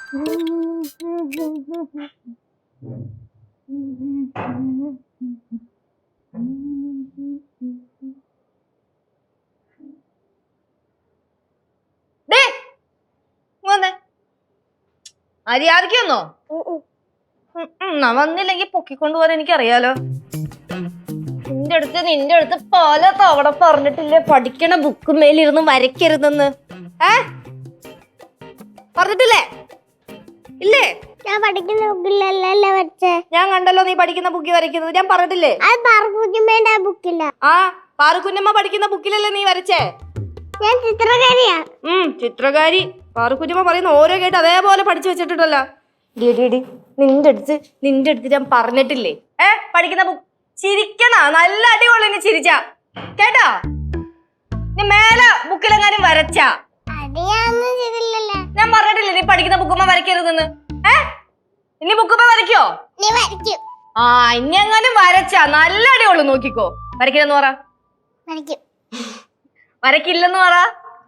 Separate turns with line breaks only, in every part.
മര്യാദയ്ക്കൊന്നോ വന്നില്ലെങ്കി പൊക്കിക്കൊണ്ടുപോകാൻ എനിക്കറിയാലോ. നിന്റെ അടുത്ത് പല തവണ പറഞ്ഞിട്ടില്ലേ പഠിക്കണ ബുക്ക് മേലിരുന്ന് വരയ്ക്കരുതെന്ന്. പറഞ്ഞിട്ടില്ലേ? ഇല്ലേ?
ഞാൻ പഠിക്കുന്ന ബുക്കിലല്ലേ വരച്ചേ.
ഞാൻ കണ്ടല്ലോ നീ പഠിക്കുന്ന ബുക്കിൽ വരയ്ക്കുന്നത്. ഞാൻ പറഞ്ഞിട്ടില്ലേ?
ആ
പാറുക്കുഞ്ഞമ്മ പഠിക്കുന്ന ബുക്കിലല്ലേ നീ വരച്ചേ?
ഞാൻ ചിത്രകാരിയാ.
ചിത്രകാരി. പാറുക്കുഞ്ഞമ്മ പറയുന്ന ഓരോ കേട്ട് അതേപോലെ പഠിച്ചു വെച്ചിട്ടുണ്ടല്ലോ. നിന്റെ അടുത്ത് ഞാൻ പറഞ്ഞിട്ടില്ലേ പഠിക്കുന്ന ബുക്ക് ചിരിക്കണ നല്ല അടിപൊളി. നീ ചിരിച്ച കേട്ടാ? നീ മേലെ ബുക്കിലെങ്ങാനും വരച്ചാ ഞാൻ പറഞ്ഞിട്ടില്ലേ നീ പഠിക്കുന്ന ബുക്കുമ്മ വരയ്ക്കരുതെന്ന്. ഇനി ബുക്കുമ്മ വരയ്ക്കോ? ഇനി എങ്ങാനും വരച്ചാ നല്ല അടിപൊളി. നോക്കിക്കോ. വരയ്ക്കില്ലെന്ന് പറ. വരയ്ക്കില്ലെന്ന് പറ.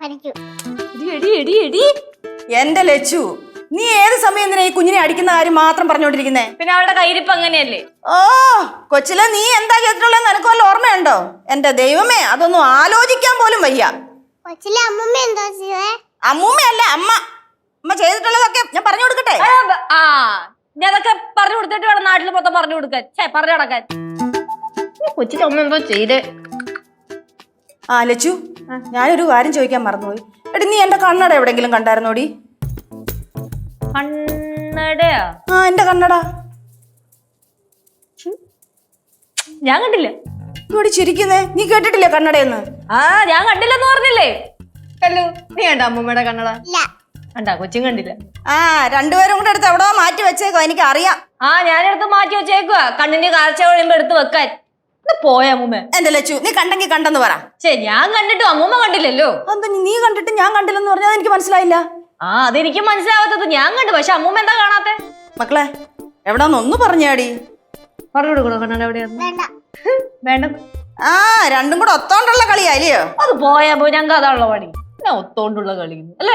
എന്റെ ലച്ചു, നീ ഏത് സമയം എന്തിനാ ഈ കുഞ്ഞിനെ അടിക്കുന്ന കാര്യം മാത്രം പറഞ്ഞോണ്ടിരിക്കുന്നേ?
പിന്നെ അവളുടെ കയ്യിരിപ്പ് അങ്ങനെയല്ലേ?
ഓ കൊച്ചിലെ നീ എന്താ ചെയ്തിട്ടുള്ളത് നിനക്ക് വല്ല ഓർമ്മയുണ്ടോ? എന്റെ ദൈവമേ, അതൊന്നും ആലോചിക്കാൻ പോലും വയ്യ. അമ്മൂമ്മയല്ല അമ്മ. അമ്മ ചെയ്തിട്ടുള്ളതൊക്കെ ഞാൻ പറഞ്ഞു കൊടുക്കട്ടെ?
ഞാനതൊക്കെ പറഞ്ഞു കൊടുത്തിട്ട് വേണം നാട്ടിൽ മൊത്തം പറഞ്ഞു കൊടുക്കാൻ. പറഞ്ഞു നടക്കാൻ. കൊച്ചിന്റെ അമ്മ എന്തോ ചെയ്തേ?
ലച്ചു, ഞാനൊരു കാര്യം ചോദിക്കാൻ മറന്നുപോയി. എടി, നീ എന്റെ കണ്ണട എവിടെങ്കിലും കണ്ടായിരുന്നോടി?
കണ്ണടയാ?
എന്റെ കണ്ണട
ഞാൻ കണ്ടില്ല.
ഇവിടെ ചിരിക്കുന്നേ, നീ കേട്ടിട്ടില്ലേ കണ്ണടയെന്ന്?
ഞാൻ കണ്ടില്ലെന്ന് പറഞ്ഞില്ലേ? കല്ലു, നീ കണ്ട അമ്മൂമ്മയുടെ കണ്ണട? കണ്ടാ? കൊച്ചും കണ്ടില്ല.
രണ്ടുപേരും കൂടെ എടുത്ത് എവിടോ മാറ്റി വെച്ചേക്കോ, എനിക്ക് അറിയാം.
ഞാനെടുത്ത് മാറ്റി വെച്ചേക്കുവാ കണ്ണിന്റെ കാഴ്ച കഴിയുമ്പോ എടുത്ത് വെക്കാൻ. പോയ അമ്മൂമ്മ.
എന്റെ ലച്ചു, നീ കണ്ടെങ്കിൽ കണ്ടെന്ന് പറ.
ഞാൻ കണ്ടിട്ടും അമ്മൂമ്മ കണ്ടില്ലല്ലോ.
എന്താ നീ കണ്ടിട്ട് ഞാൻ കണ്ടില്ലെന്ന് പറഞ്ഞാൽ എനിക്ക് മനസ്സിലായില്ല.
അതെനിക്ക് മനസ്സിലാവാത്തത്. ഞാൻ കണ്ടു, പക്ഷെ അമ്മൂമ്മ എന്താ കാണാത്തെ?
മക്കളെ, എവിടാന്നൊന്ന് പറഞ്ഞാടി.
പറഞ്ഞു കൊടുക്കണോ കണ്ണട എവിടെയാന്ന്? വേണ്ട.
രണ്ടും കൂടെ ഒത്തോണ്ടുള്ള കളിയായില്ലയോ?
അത് പോയാ പോയി. ഞങ്ങൾക്ക് അതാണുള്ള പണി. ഞാൻ ഒത്തോണ്ടുള്ള കളി അല്ലേ?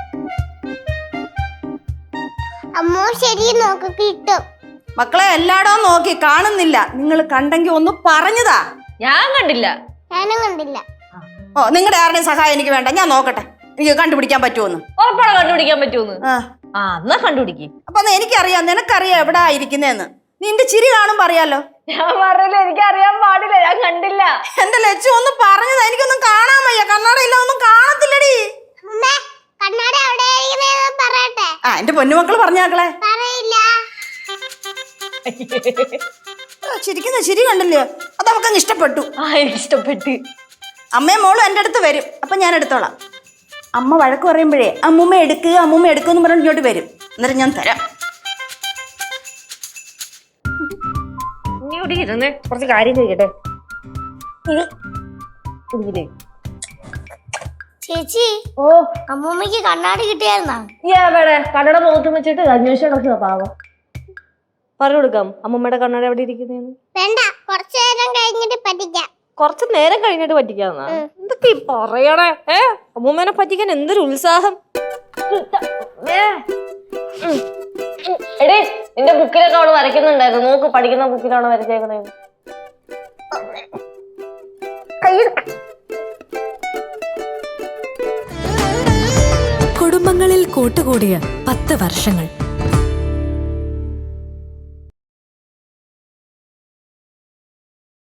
മക്കളെ, എല്ലായിടവും നോക്കി കാണുന്നില്ല. നിങ്ങൾ കണ്ടെങ്കിൽ ഒന്ന് പറഞ്ഞതാ.
ഞാൻ കണ്ടില്ല.
നിങ്ങളുടെ ആരുടെയും സഹായം എനിക്ക് വേണ്ട. ഞാൻ നോക്കട്ടെ എനിക്ക് കണ്ടുപിടിക്കാൻ പറ്റുമെന്ന്.
ഉറപ്പാണ് കണ്ടുപിടിക്കാൻ പറ്റുമെന്ന്. എന്നാ കണ്ടുപിടിക്കും.
അപ്പൊ എനിക്കറിയാം, നിനക്കറിയാം എവിടാ ഇരിക്കുന്നേന്ന്. നിന്റെ ചിരി കാണുമ്പോ അറിയാലോ.
ഞാൻ പറഞ്ഞില്ല, എനിക്കറിയാൻ പാടില്ല. ഞാൻ കണ്ടില്ല.
എന്റെ ലച്ചു ഒന്ന് പറഞ്ഞതാ. എനിക്കൊന്നും കാണാൻ വയ്യ. കണ്ണാട ഇല്ല, ഒന്നും കാണത്തില്ലടി. എന്റെ പൊന്നുമക്കള് പറഞ്ഞാക്കളെ. ചിരിക്കുന്ന ചിരി കണ്ടില്ലേ? അത് അവക്കങ്ങ് ഇഷ്ടപ്പെട്ടു.
ഇഷ്ടപ്പെട്ടു.
അമ്മയും മോളും എന്റെ അടുത്ത് വരും. അപ്പൊ ഞാൻ എടുത്തോളാം. അമ്മ വഴക്ക് പറയുമ്പോഴേ അമ്മൂമ്മ എടുക്കുന്ന് പറഞ്ഞിട്ട് ഇങ്ങോട്ട് വരും. എന്നിട്ട് ഞാൻ തരാം.
കുറച്ച് കാര്യം ചോദിക്കട്ടെ
ചേച്ചി? അമ്മൂമ്മക്ക് കണ്ണാടി കിട്ടിയായിരുന്നാ?
കണ്ണട മുഖത്ത് വെച്ചിട്ട് അന്വേഷണം പാവം. പറഞ്ഞു കൊടുക്കാം അമ്മൂമ്മയുടെ കണ്ണട എവിടെ ഇരിക്കുന്നേന്ന്.
വേണ്ട, കുറച്ചു നേരം കഴിഞ്ഞിട്ട് പറ്റിക്കാം.
കുറച്ചു നേരം കഴിഞ്ഞിട്ട് പറ്റിക്കാന്നാ? എന്തൊക്കെ പറയണേ? അമ്മൂമ്മേനെ പറ്റിക്കാൻ എന്തൊരു ഉത്സാഹം. എടേ, നിന്റെ ബുക്കിലൊക്കെ അവള് വരയ്ക്കുന്നുണ്ടായിരുന്നു. നോക്ക്, പഠിക്കുന്ന ബുക്കിലാണ് വരച്ചേക്കണേ.
കുടുംബങ്ങളിൽ കൂട്ടുകൂടിയ 10 വർഷങ്ങൾ.